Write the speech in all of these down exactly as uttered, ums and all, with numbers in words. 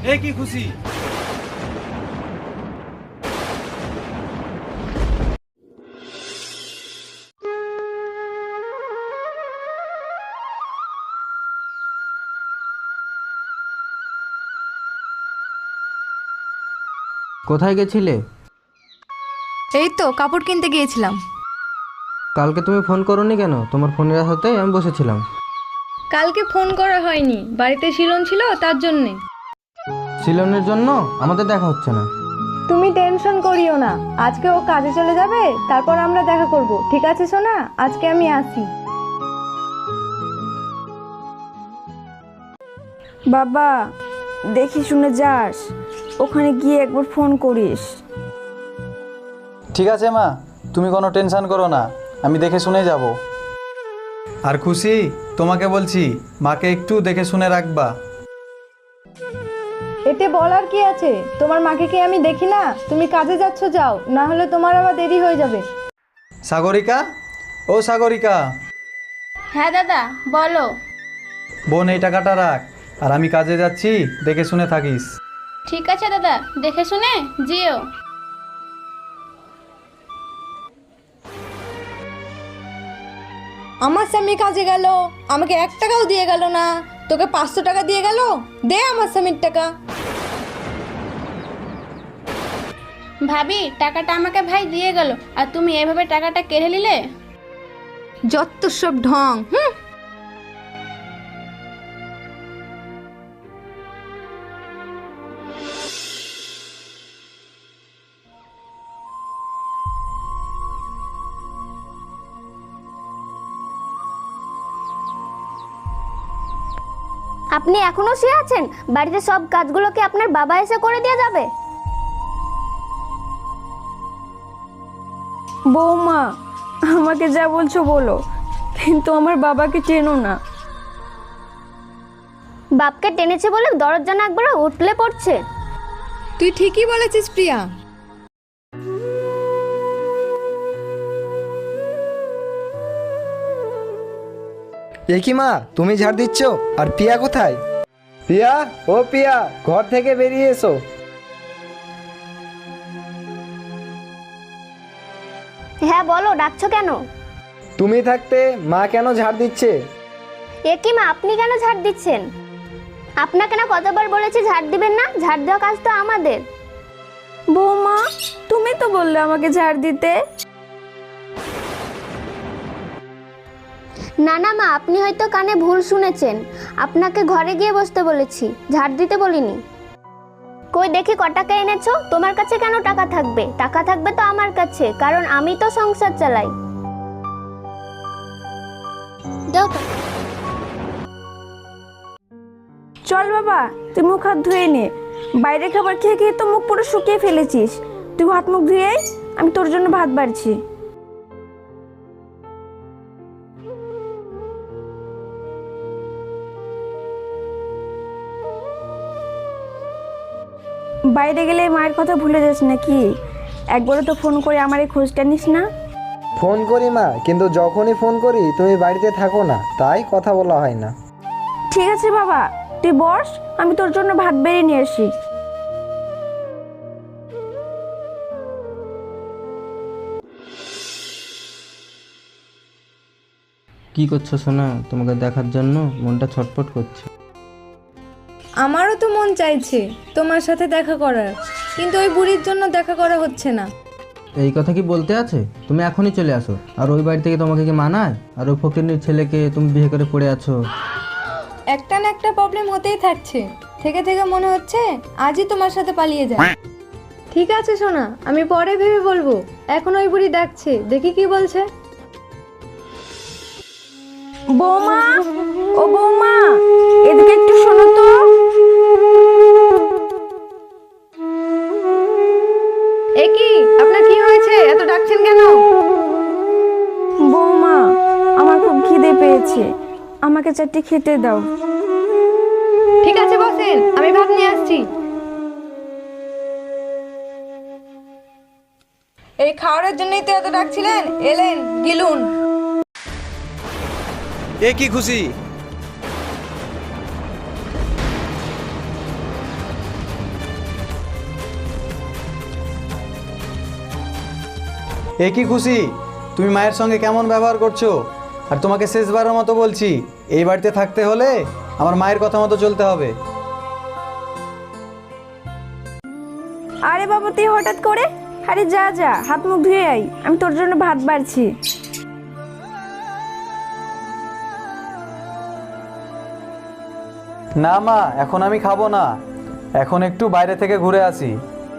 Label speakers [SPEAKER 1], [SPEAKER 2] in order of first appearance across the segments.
[SPEAKER 1] এ কি খুশি?
[SPEAKER 2] কোথায় গেছিলে?
[SPEAKER 3] এই তো কাপড় কিনতে গিয়েছিলাম।
[SPEAKER 2] কালকে তুমি ফোন করোনি কেন? তোমার ফোনের হাতে আমি বসেছিলাম।
[SPEAKER 3] কালকে ফোন করা হয়নি, বাড়িতে শিলন ছিল তার জন্যে।
[SPEAKER 2] সিলনের জন্য আমাদের দেখা হচ্ছে না।
[SPEAKER 3] তুমি টেনশন করিও না, আজকে ও কাজে চলে যাবে, তারপর আমরা দেখা করব। ঠিক আছে সোনা, আজকে আমি আসি।
[SPEAKER 4] বাবা দেখি শুনে যাস, ওখানে গিয়ে একবার ফোন করিস।
[SPEAKER 5] ঠিক আছে মা, তুমি কোনো টেনশন করো না, আমি দেখে শুনে যাব। আর খুশি, তোমাকে বলছি মাকে একটু দেখে শুনে রাখবা।
[SPEAKER 3] এতে বলার কি আছে? তোমার মাকে কি আমি দেখি না? তুমি কাজে যাচ্ছ, যাও, না হলে তোমার আবার দেরি হয়ে যাবে।
[SPEAKER 5] সাগরিকা, ও সাগরিকা।
[SPEAKER 6] হ্যাঁ দাদা বলো।
[SPEAKER 5] বোন এই টাকাটা রাখ, আর আমি কাজে যাচ্ছি, দেখে শুনে থাকিস।
[SPEAKER 6] ঠিক আছে দাদা, দেখে শুনে যেও।
[SPEAKER 3] আমার স্বামী কাজে গেল, আমাকে এক টাকাও দিয়ে গেল না। তোকে পাঁচশো টাকা দিয়ে গেল, দে আমার স্বামীর টাকা।
[SPEAKER 6] ভাবি টাকাটা আমাকে ভাই দিয়ে গেল, আর তুমি এভাবে টাকাটা কেড়ে নিলে।
[SPEAKER 3] যত সব ঢং। হুম।
[SPEAKER 7] আপনি এখনো শুয়ে আছেন? বাড়িতে সব কাজগুলো কি আপনার বাবা এসে করে দিয়ে যাবে?
[SPEAKER 4] বৌমা, আমাকে যা বলছো বলো, কিন্তু আমার বাবাকে চেনো না।
[SPEAKER 7] বাপকে টেনেছে বলে দরজা না একবার উঠলে পড়ছে।
[SPEAKER 3] তুই ঠিকই বলেছিস প্রিয়া।
[SPEAKER 8] এ কি মা, তুমি ঝাড় দিচ্ছ? আর পিয়া কোথায়? পিয়া, ও পিয়া, ঘর থেকে বেরিয়ে এসো।
[SPEAKER 7] হ্যাঁ বলো, ডাকছো কেন?
[SPEAKER 8] তুমি থাকতে মা কেন ঝাড় দিচ্ছে?
[SPEAKER 7] এ কি মা, আপনি কেন ঝাড় দিচ্ছেন? আপনাকে না কতবার বলেছি ঝাড় দিবেন না? ঝাড় দেওয়া কাজ তো আমাদের।
[SPEAKER 4] বৌমা, তুমি তো বললে আমাকে ঝাড় দিতে।
[SPEAKER 7] না না মা, আপনি হয়তো কানে ভুল শুনেছেন। আপনাকে ঘরে গিয়ে বসতে বলেছি, ঝাড় দিতে বলিনি। কই দেখি ক টাকা এনেছো? তোমার কাছে কেন টাকা থাকবে? টাকা থাকবে তো আমার কাছে, কারণ আমি তো সংসার চালাই। দাও টাকা।
[SPEAKER 4] চল বাবা, তুই মুখ হাত ধুয়ে নে। বাইরে খাবার খেয়ে খেয়ে তো মুখ পুরো শুকিয়ে ফেলেছিস। তুই হাত মুখ ধুয়ে আয়, আমি তোর জন্য ভাত বাড়ছি। বাইরে গেলে মায়ের কথা ভুলে যাস নাকি? একবারও তো ফোন করে আমার এই খোঁজটা নিস না।
[SPEAKER 8] ফোন করি মা, কিন্তু যখনই ফোন করি তুমি বাড়িতে থাকো না, তাই কথা বলা হয় না।
[SPEAKER 4] ঠিক আছে বাবা, তুই বস, আমি তোর জন্য ভাত বেড়ে নিয়ে আসি।
[SPEAKER 2] কি করছো সোনা? তোমাকে দেখার জন্য মনটা ছটফট করছে।
[SPEAKER 3] আমারও তো মন চাইছে তোমার সাথে দেখা করার, কিন্তু ওই বুড়ির জন্য দেখা করা হচ্ছে না।
[SPEAKER 2] এই কথা কি বলতে আছে? তুমি এখনই চলে আসো। আর ওই বাড়ি থেকে তোমাকে কি মানায়? আর ওই ফকিরনির ছেলেকে তুমি বিয়ে করে পড়ে আছো।
[SPEAKER 3] একটা না একটা প্রবলেম হতেই থাকছে। থেকে থেকে মনে হচ্ছে আজই তোমার সাথে পালিয়ে যায়। ঠিক আছে সোনা, আমি পরে ভেবে বলবো। এখন ওই বুড়ি ডাকছে, দেখি কি বলছে।
[SPEAKER 4] বৌমা, ও বৌমা, এদিকে একটু শোনো তো।
[SPEAKER 3] এ কি, আপনার কি হয়েছে? এত ডাকছেন কেন?
[SPEAKER 4] বৌমা, আমার খুব খিদে পেয়েছে, আমাকে চারটি খেতে দাও।
[SPEAKER 3] ঠিক আছে বসেন, আমি ভাত নিয়ে আসছি। এই খাওয়ার জন্যই তো এত ডাকছিলেন, এলেন, গিলুন।
[SPEAKER 1] এ কি খুশি?
[SPEAKER 5] এ কি খুশি, তুমি মায়ের সঙ্গে কেমন ব্যবহার করছো? আর তোমাকে শেষবারের মতো বলছি, এই বাড়িতে থাকতে হলে আমার মায়ের কথা মতো চলতে হবে।
[SPEAKER 4] আরে বাবা তুই হঠাৎ করে, আরে যা যা হাত মুখ ধুয়ে আই, আমি তোর জন্য ভাত বাড়ছি।
[SPEAKER 5] না মা, এখন আমি খাবো না, এখন একটু বাইরে থেকে ঘুরে আসি।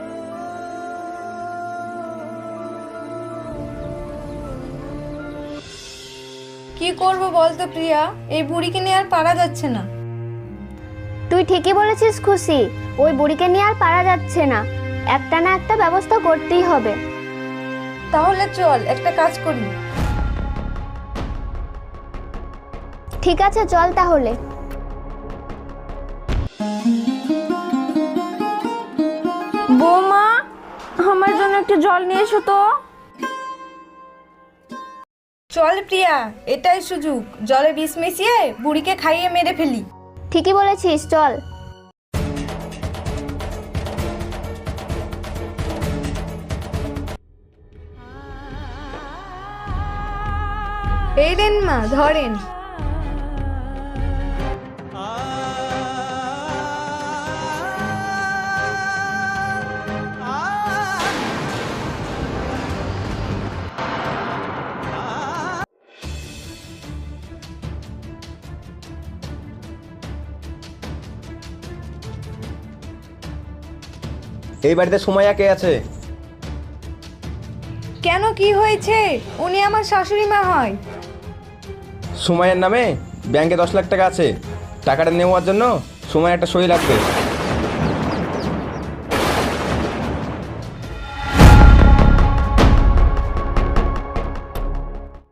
[SPEAKER 3] কি করব বলতো প্রিয়া, এই বুড়িকে নিয়ে আর পারা যাচ্ছে না।
[SPEAKER 7] তুই ঠিকই বলেছিস খুশি, ওই বুড়িকে নিয়ে আর পারা যাচ্ছে না, একটা না একটা ব্যবস্থা করতেই হবে।
[SPEAKER 3] তাহলে চল একটা কাজ করি।
[SPEAKER 7] ঠিক আছে চল তাহলে।
[SPEAKER 4] বৌমা, আমার জন্য একটু জল নিয়ে এসো তো।
[SPEAKER 3] চল প্রিয়া, এটাই সুযোগ, জলে বিষ মিশিয়ে বুড়িকে খাইয়ে মেরে ফেলি।
[SPEAKER 7] ঠিকই বলেছিস, চল।
[SPEAKER 3] এই দেন মা, ধরেন।
[SPEAKER 8] এই বাড়িতে সুমাইয়া কে আছে?
[SPEAKER 3] কেন, কি হয়েছে? উনি আমার শাশুড়ি মা হয়।
[SPEAKER 8] সুমাইয়ার নামে ব্যাংকে দশ লাখ টাকা আছে, টাকাটা নেওয়ার জন্য সুমাইয়া একটা সই লাগবে।